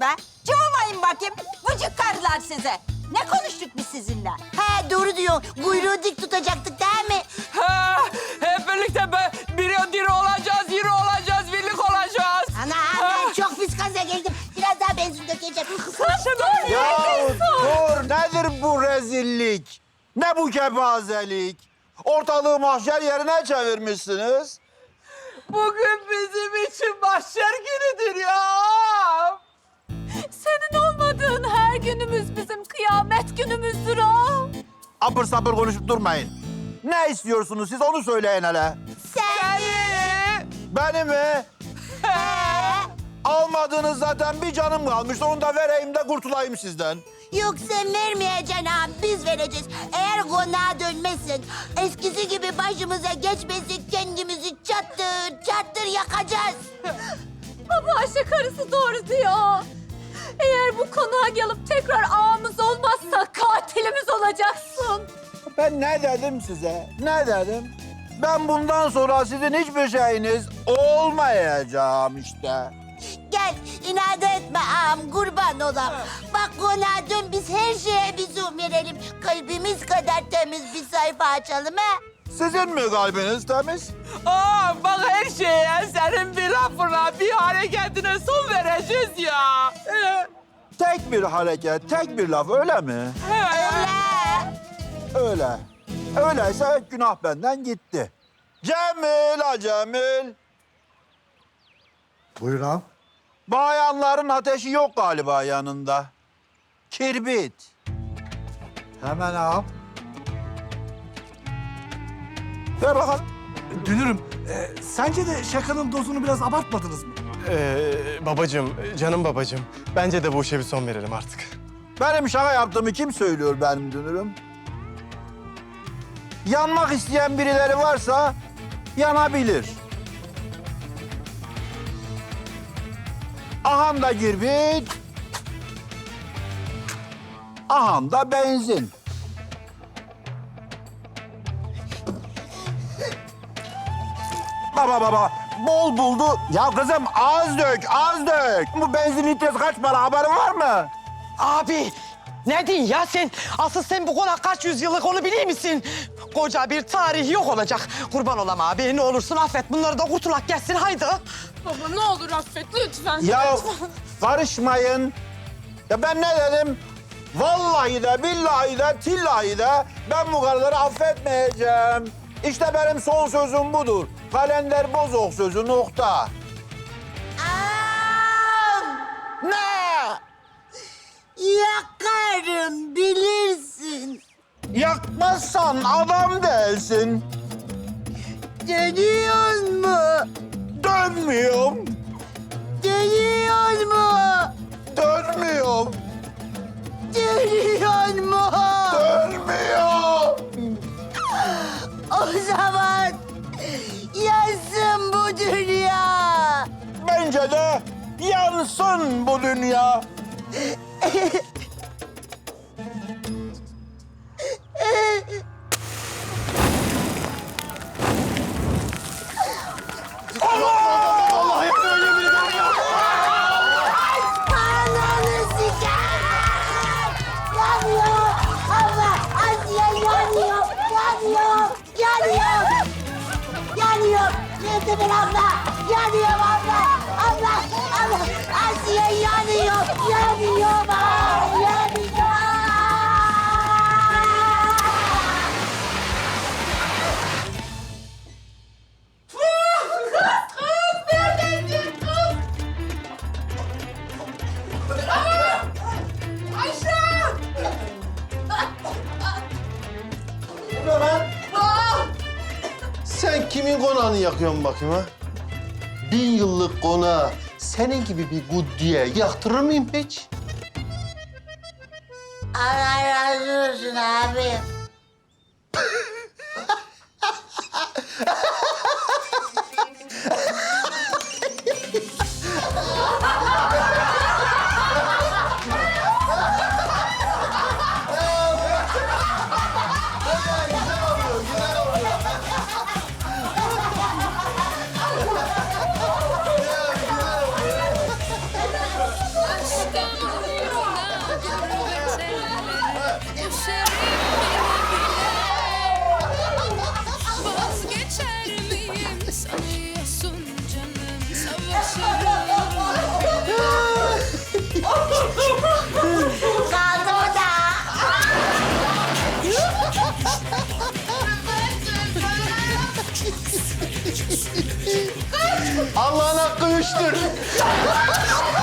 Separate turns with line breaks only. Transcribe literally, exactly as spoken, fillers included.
be? Cıvamayın bakayım. Vıcık karılar size. Ne konuştuk biz sizinle?
He doğru diyorsun. Kuyruğu dik tutacaktık değil mi?
Ha, hep birlikte be, biri diri olacağız, yürü olacağız, birlik olacağız.
Ana ben çok pis gaza geldim. Biraz daha benzin dökeceğim.
Ya dur, nedir bu rezillik? Ne bu kepazelik? Ortalığı mahşer yerine çevirmişsiniz.
Bugün bizim için mahşer günüdür ya.
Senin olmadığın her günümüz bizim kıyamet günümüzdür o.
Apır sapır konuşup durmayın. Ne istiyorsunuz siz onu söyleyin hele.
Sen
Beni mi? Almadığınız zaten bir canım kalmıştı. Onu da vereyim de kurtulayım sizden.
yok sen vermeyeceksin ağam. Biz vereceğiz. Eğer konağa dönmezsen eskisi gibi başımıza geçmezsek kendimizi çattır çattır yakacağız.
Baba Ayşe karısı doğru diyor. Eğer bu konağa gelip tekrar ağamız olmazsa katilimiz olacaksın.
Ben ne dedim size? Ne dedim? Ben bundan sonra sizin hiçbir şeyiniz olmayacağım işte.
Gel inat etme ağam kurban olam. Bak konağa dön biz her şeye bir zoom verelim. Kalbimiz kadar temiz bir sayfa açalım ha.
Sizin mi kalbiniz temiz?
Aa, bak her şeye senin bir lafına, bir hareketine son vereceğiz ya. Ee,
Tek bir hareket, tek bir laf öyle mi?
Öyle.
Öyle. Öyleyse günah benden gitti. Cemil, ha Cemil.
Buyur ağam.
Bayanların ateşi yok galiba yanında. Kirbit.
Hemen ağam.
Ver bakalım.
Dünürüm, e, sence de şakanın dozunu biraz abartmadınız mı?
Ee, babacığım, canım babacığım. Bence de bu işe bir son verelim artık.
Benim şaka yaptığımı kim söylüyor benim dünürüm? Yanmak isteyen birileri varsa yanabilir. Aham da kirbit. Aham da benzin. Baba baba bol buldu. Ya kızım az dök az dök. Bu benzin litresi kaç para haberin var mı?
Abi ne diyorsun ya sen? Asıl sen bu konak kaç yüzyıllık onu biliyor musun? Koca bir tarih yok olacak. Kurban olam abi ne olursun affet bunları da kurtulak gelsin haydi.
Baba ne olur affet lütfen.
Ya karışmayın. Ya ben ne dedim? Vallahi de billahi de tillahi de ben bu karıları affetmeyeceğim. İşte benim son sözüm budur. Kalender bozok sözü nokta.
Ağam.
Ne?
Yakarım bilirsin.
Yakmazsan adam değilsin.
Dönüyor mu?
Dönmüyorum.
Dönüyor mu?
Dönmüyorum.
Dönüyor mu?
Dönmüyor.
O zaman yansın bu dünya.
Bence de yansın bu dünya.
Ananı siker! Yanıyor! Allah! Asiye yanıyor! Yanıyor! Yanıyor! Yanıyor! Nerede ben abla? Yanıyor abla! Abla! Abla! Asiye yanıyor! Yanıyor! Aa, yanıyor!
Sen kimin konağını yakıyorsun bakayım ha? Bin yıllık konağı senin gibi bir guddiye yaktırır mıyım hiç?
Allah razı olsun abi.
İşte
yapıştır.